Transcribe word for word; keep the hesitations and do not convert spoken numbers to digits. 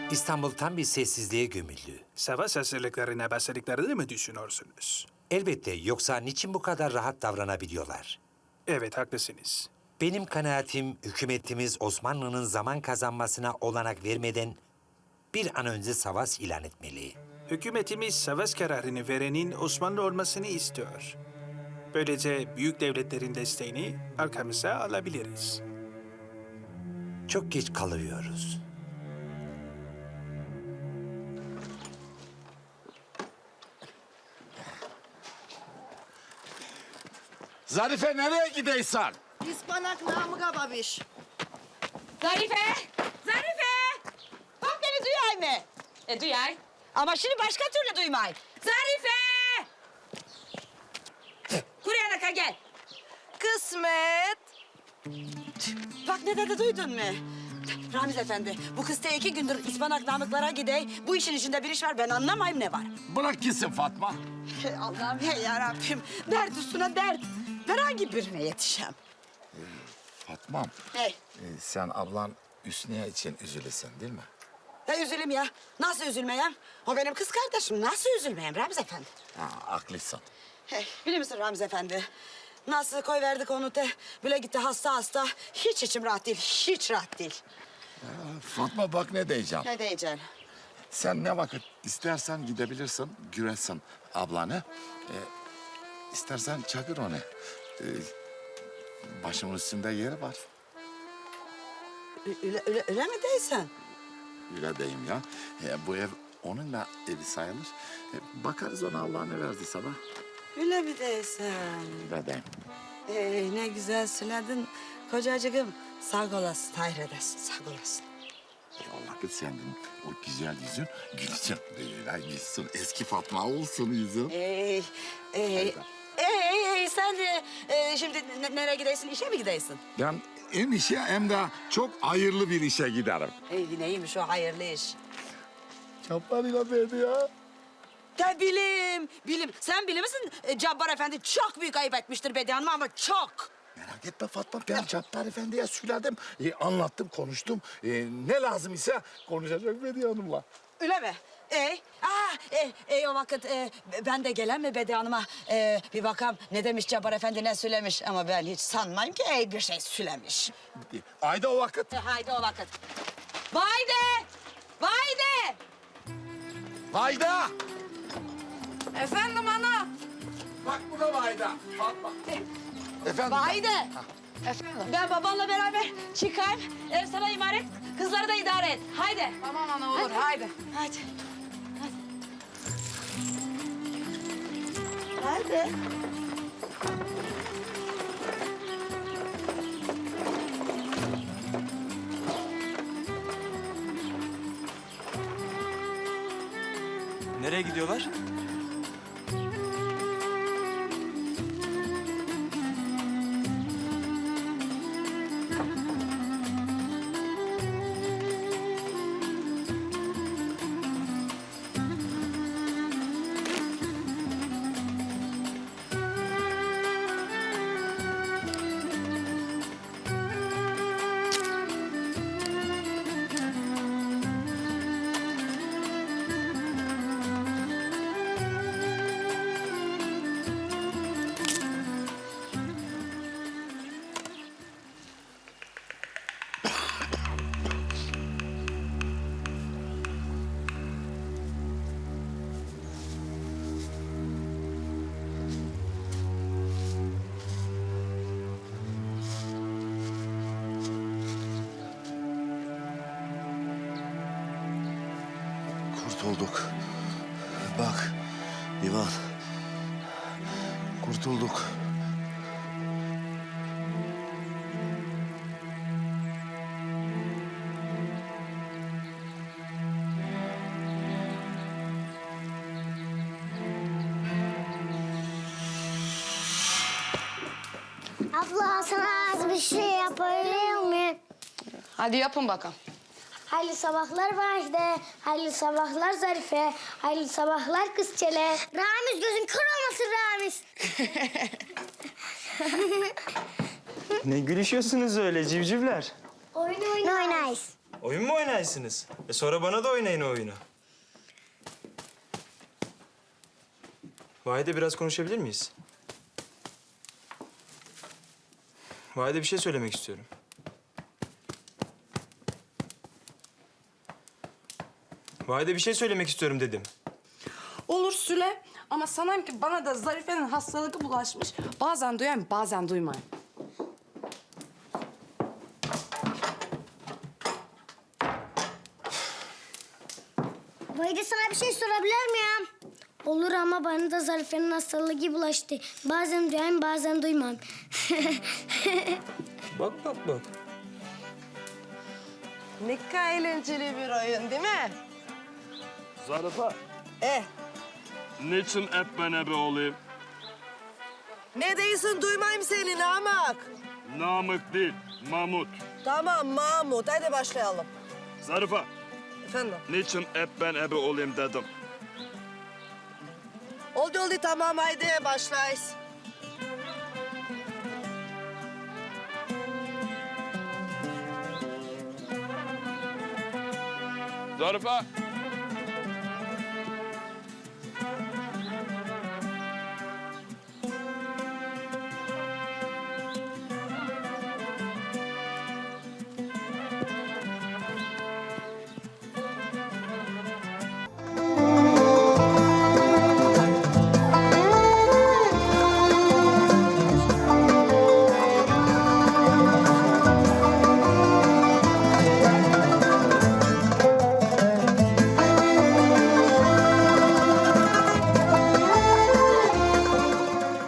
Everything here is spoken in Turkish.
İstanbul tam bir sessizliğe gömüldü. Savaş hazırlıklarına başladıklarını mı düşünüyorsunuz? Elbette, yoksa niçin bu kadar rahat davranabiliyorlar? Evet, haklısınız. Benim kanaatim, hükümetimiz Osmanlı'nın zaman kazanmasına olanak vermeden bir an önce savaş ilan etmeli. Hükümetimiz savaş kararını verenin Osmanlı olmasını istiyor. Böylece büyük devletlerin desteğini arkamıza alabiliriz. Çok geç kalıyoruz. Zarife nereye gidiyorsun? İspanak Namık'a babiş. Zarife! Zarife! Bak beni duyay mı? E duyay. Ama şimdi başka türlü duymay. Zarife! Kuruyanaka gel. Kısmet. Bak ne dedi duydun mu? Ramiz Efendi, bu kız te iki gündür İspanak Namıklara gidey. Bu işin içinde bir iş var, ben anlamayayım ne var. Bırak gitsin Fatma. Hey Allah'ım, hey yarabbim. Dert üstüne dert. Ben hangi birine yetişem? Fatmam, Hey, e, sen ablan Hüsniye için üzülürsün değil mi? ne üzülüm ya? Nasıl üzülmeyem? O benim kız kardeşim. Nasıl üzülmeyem Ramiz Efendi? Ha, haklısın. Hey, biliyor musun Ramiz Efendi? Nasıl koyverdik onu te, bile gitti hasta hasta. Hiç içim rahat değil, hiç rahat değil. Fatma bak ne diyeceğim. Ne diyeceksin? Sen ne vakit istersen gidebilirsin, güresin ablanı. E, istersen çakır onu. E, başımın üstünde yeri var. Öyle, öyle, öyle mi değilsen? Öyle diyeyim ya. E, bu ev onun da evi sayılır. E, bakarız ona Allah ne verdiyse da. Öyle mi değilsen? Öyle diyeyim. Ee, ne güzel söyledin kocacığım. Sağ olasın, hayır edersin, sağ olasın. Ya vakit senin o güzel yüzün gülsün. Böyle gülsün. Eski Fatma olsun yüzün. Ee, ee, ee, ee, sen de e, şimdi ne- nereye gidiyorsun? İşe mi gidiyorsun? Ben hem işe hem de çok hayırlı bir işe giderim. Ee, neymiş o hayırlı iş? Çaplarıyla beni ya. De bilim, bilim. Sen bilir misin? E, Cabbar Efendi çok büyük ayıp etmiştir Bediye Hanım ama çok. Merak etme Fatma, ben Cabbar Efendi'ye söyledim. E, anlattım, konuştum. E, ne lazım ise konuşacak Bediye Hanım'la. Öyle mi? Ey, aa, ey, ey o vakit e, ben de gelen mi Bediye Hanım'a e, bir bakalım ne demiş Cabbar Efendi ne söylemiş ama ben hiç sanmayayım ki ey bir şey söylemiş. Ayda o vakit. E, haydi o vakit. Vayde! Vayde! Ayda! Efendim ana. Bak bu da Ayda. Fatma. Efendim? Vayde! Efendim? Ben babanla beraber çıkayım. Ev sana emanet. Kızları da idare et. Haydi. Tamam ana olur haydi. Hadi. Hadi. Hadi. Nereye gidiyorlar? Kurtulduk. Bak, Divan. Kurtulduk. Abla sana az bir şey yapabilir miyim? Hadi yapın bakalım. Hayırlı sabahlar Vahide, hayırlı sabahlar Zarife, hayırlı sabahlar kızçele. Ramiz gözün kör olmasın Ramiz. Ne gülüşüyorsunuz öyle civcivler? Oyun oynayız. Oyun mu oynarsınız? E sonra bana da oynayın o oyunu. Vahide biraz konuşabilir miyiz? Vahide bir şey söylemek istiyorum. Vahide bir şey söylemek istiyorum dedim. Olur Süle. Ama sanayım ki bana da Zarife'nin hastalığı bulaşmış. Bazen duyayım, bazen duymayayım. Vahide sana bir şey sorabilir miyim? Olur ama bana da Zarife'nin hastalığı bulaştı. Bazen duyayım bazen duymam. Bak bak bak. Ne kadar eğlenceli bir oyun değil mi? Zarife, Eh, niçin hep ben ebe olayım? ne değilsin duymayayım seni Namık. Namık değil, Mahmut. Tamam Mahmut, hadi başlayalım. Zarife, Efendim? niçin hep ben ebe olayım dedim. Oldu oldu tamam, haydi başlayız. Zarife,